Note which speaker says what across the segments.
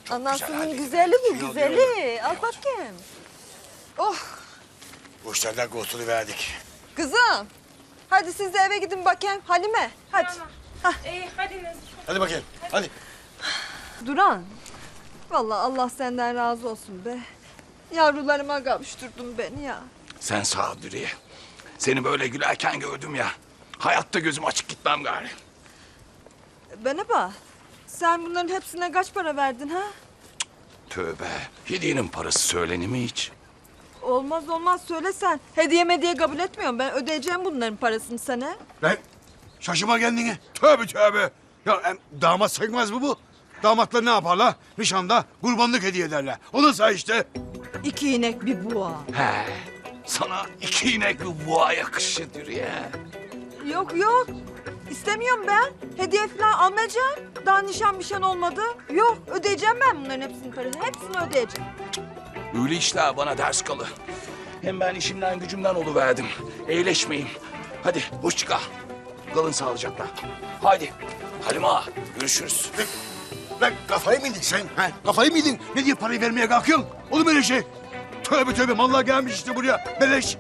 Speaker 1: Anasının güzeli bu, güzeli. Al bakayım. Oh,
Speaker 2: Bu işlerden kurtuluverdik.
Speaker 1: kızım. Hadi siz de eve gidin bakayım. Halime, hadi.
Speaker 3: Hadi Nazif.
Speaker 2: Hadi bakayım, hadi.
Speaker 1: Duran. Vallahi Allah senden razı olsun be. Yavrularıma kavuşturdun beni ya.
Speaker 4: Sen sağ ol Dürüye. Seni böyle gülerken gördüm ya. Hayatta gözüm açık gitmem gari.
Speaker 1: Bana bak. Sen bunların hepsine kaç para verdin ha?
Speaker 4: Tövbe. Hediyenin parası söylenir mi hiç?
Speaker 1: Olmaz olmaz söyle sen. Hediye mediye kabul etmiyorum. Ben ödeyeceğim bunların parasını sana.
Speaker 2: Lan şaşırma kendine. Tövbe tövbe. Ya damat sayılmaz mı bu? Damatlar ne yaparlar? Nişanda kurbanlık hediye ederler. O da say işte.
Speaker 1: 2 inek bir boğa.
Speaker 4: He. Sana 2 inek bir boğa yakışır Dürüye.
Speaker 1: Yok yok. İstemiyorum ben. Hediye falan almayacağım. Daha nişan olmadı. Yok ödeyeceğim ben bunların hepsinin parasını. Hepsini ödeyeceğim.
Speaker 4: Öyle işler bana ders kalı. Hem ben işimden gücümden oluverdim. Eğleşmeyeyim. Hadi hoşça kal. Kalın sağlıcakla. Haydi. Halime ağa, görüşürüz.
Speaker 2: Lan kafayı mı yedin sen? Ha? Kafayı mı yedin? Ne diye parayı vermeye kalkıyorsun? Olur mu öyle şey? Tövbe tövbe mallar gelmiş işte buraya. Beleş.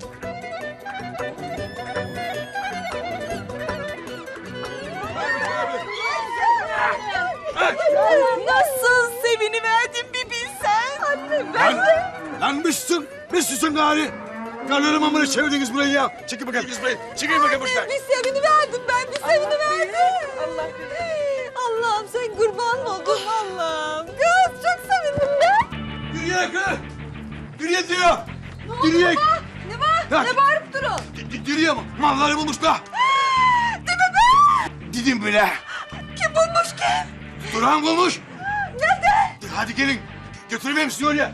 Speaker 1: Nasıl seviniverdim bir bilsen. Anne
Speaker 2: Lan, lan Müslüsün gari. Karlarım amına çevirdiniz burayı ya. Çekil bakayım biz burayı. Çekil bakayım buradan.
Speaker 1: Bir seviniverdim ben bir seviniverdim. Allah'ım sen kurban oldun Allah'ım. Kız çok sevindim ben.
Speaker 2: Yürüye kız. Yürüye diyor. Yürüye.
Speaker 1: Ne var?
Speaker 2: Ya.
Speaker 1: Ne bağırıp durun?
Speaker 2: Yürüye mi? Malları bulmuşlar.
Speaker 1: Değil mi be?
Speaker 2: Dedim bile.
Speaker 1: Kim bulmuş kim?
Speaker 2: Duran bulmuş.
Speaker 1: Nerede?
Speaker 2: Hadi gelin. Götürmeyeyim sizi oraya.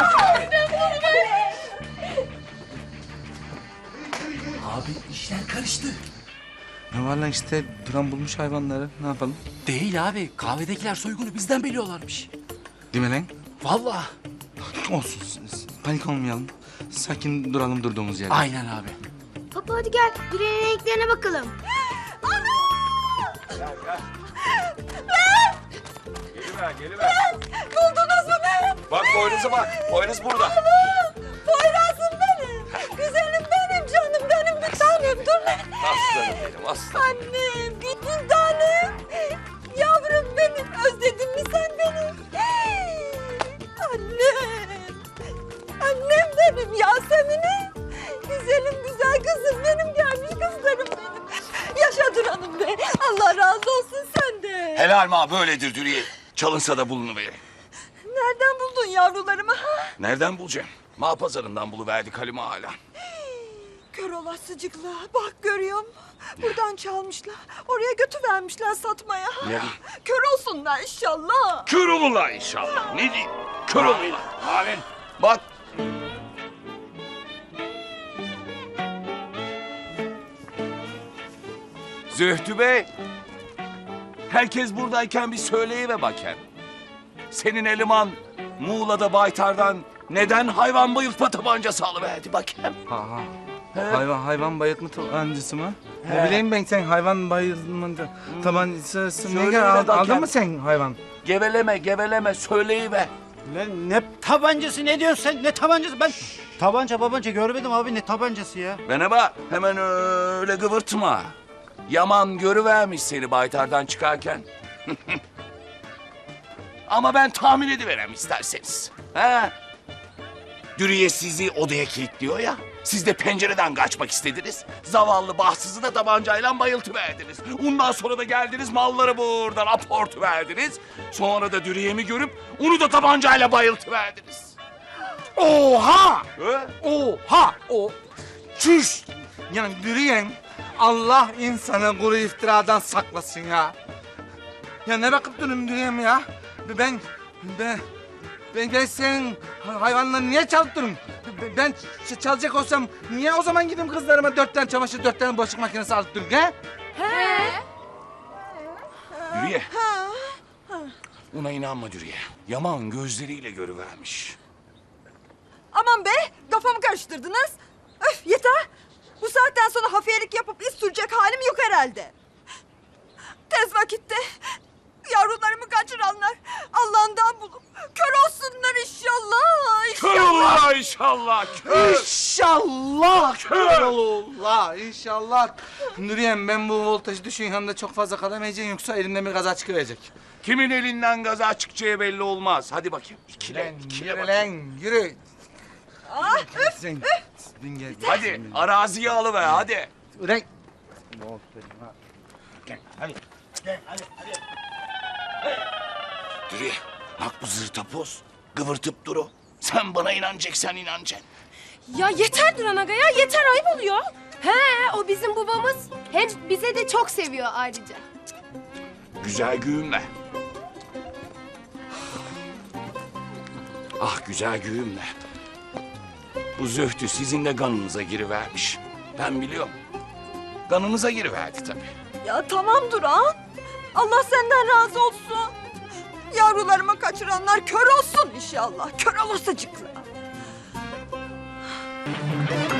Speaker 5: Abi işler karıştı.
Speaker 6: Ne var lan işte Duran bulmuş hayvanları. Ne yapalım?
Speaker 5: Değil abi. Kahvedekiler soygunu bizden biliyorlarmış.
Speaker 6: Değil mi lan?
Speaker 5: Vallahi.
Speaker 6: Olsun. Panik olmayalım. Sakin duralım durduğumuz yerde.
Speaker 5: Aynen abi.
Speaker 7: Papa hadi gel. Direğin renklerine bakalım.
Speaker 1: Buldunuz mu beni?
Speaker 4: Bak boynuza bak. Boynuz burada.
Speaker 1: Poyraz'ım benim. Güzelim benim canım benim bir tanem. Dur lan.
Speaker 4: Aslanım benim aslanım.
Speaker 1: Annem bir tanem. Yavrum benim. Özledin mi sen beni? Annem. Annem benim Yasemin'im. Güzelim güzel kızım benim gelmiş kızlarım benim. Yaşa Duran'ım be. Allah razı olsun senden.
Speaker 4: Helal ma böyledir Dürüye. Çalınsa da bulunuverir.
Speaker 1: Nereden buldun yavrularımı? Ha?
Speaker 4: Nereden bulacağım? Mağ pazarından buluverdik Halime hala.
Speaker 1: Kör olasıcıkla. Bak görüyor musun? Buradan çalmışlar. Oraya götüvermişler satmaya.
Speaker 4: Ne?
Speaker 1: Kör olsunlar inşallah.
Speaker 4: Kör olurlar inşallah. Ne diyeyim? Kör olurlar. Amin. Bak. Zühtü Bey. Herkes buradayken bir söyleyiver bakayım. Senin eleman Muğla'da Baytar'dan neden hayvan bayıltma tabancası alıverdi bakayım?
Speaker 6: Ha.
Speaker 4: He?
Speaker 6: Hayvan bayıltma tabancası mı? Ne bileyim ben sen hayvan bayıltma tabancası ne
Speaker 4: Söyle
Speaker 6: kadar
Speaker 4: yine
Speaker 6: aldın
Speaker 4: bakayım.
Speaker 6: mı sen hayvan?
Speaker 4: Geveleme söyleyiver.
Speaker 8: Lan ne tabancası ne diyorsun sen? Ne tabancası? Ben tabanca görmedim abi ne tabancası ya?
Speaker 4: Bana bak hemen öyle gıvırtma. Yaman görüvermiş seni Baytar'dan çıkarken. Ama ben tahmin ediverem isterseniz. Ha? Dürüye sizi odaya kilitliyor ya. Siz de pencereden kaçmak istediniz. Zavallı bahtsızı da tabancayla bayıltıverdiniz. Ondan sonra da geldiniz malları buradan aportuverdiniz. Sonra da Dürüye'mi görüp onu da tabancayla bayıltıverdiniz.
Speaker 6: Oha!
Speaker 4: Ha?
Speaker 6: Oha! Çüş! Yani yürüyen Allah insanı kuru iftiradan saklasın ya. Ya ne bakıp durun yürüyem ya? Ben senin hayvanlarını niye çalıttırım? Ben çalacak olsam niye o zaman gideyim kızlarıma 4 tane çamaşır 4 tane bulaşık makinesi alıp durun he?
Speaker 4: Dürüye. Ona inanma Dürüye. Yaman gözleriyle görüvermiş.
Speaker 1: Aman be kafamı karıştırdınız. Öf yeter. Bu saatten sonra hafiyelik yapıp iz sürecek halim yok herhalde. Tez vakitte yavrularımı kaçıranlar Allah'ından bulup
Speaker 4: inşallah. Kör.
Speaker 6: İnşallah kör Allah inşallah. Nuriyem ben bu voltajı düşün yanında çok fazla kalamayacağım yoksa elimden bir kaza çıkıverecek.
Speaker 4: Kimin elinden gaza çıkacağı belli olmaz. Hadi bakayım. İkile
Speaker 6: Yürü
Speaker 4: bakayım.
Speaker 6: lan yürü. Sen bin gel.
Speaker 4: Hadi araziyi alıver hadi.
Speaker 6: Ulan.
Speaker 4: Dürüye bak bu zırtapoz. Kıvırtıp duru. Sen bana inanacaksan inanacaksın.
Speaker 3: Ya yeter Duran Aga ya yeter ayıp oluyor. He o bizim babamız.
Speaker 7: Hem bize de çok seviyor ayrıca.
Speaker 4: Güzel güğümle. Ah güzel güğümle. Bu zühtü sizin de kanınıza girivermiş. Ben biliyorum. Kanınıza giriverdi tabii.
Speaker 1: Ya tamam Duran. Allah senden razı olsun. Yavrularımı kaçıranlar kör olsun inşallah. Kör olasıcıklar.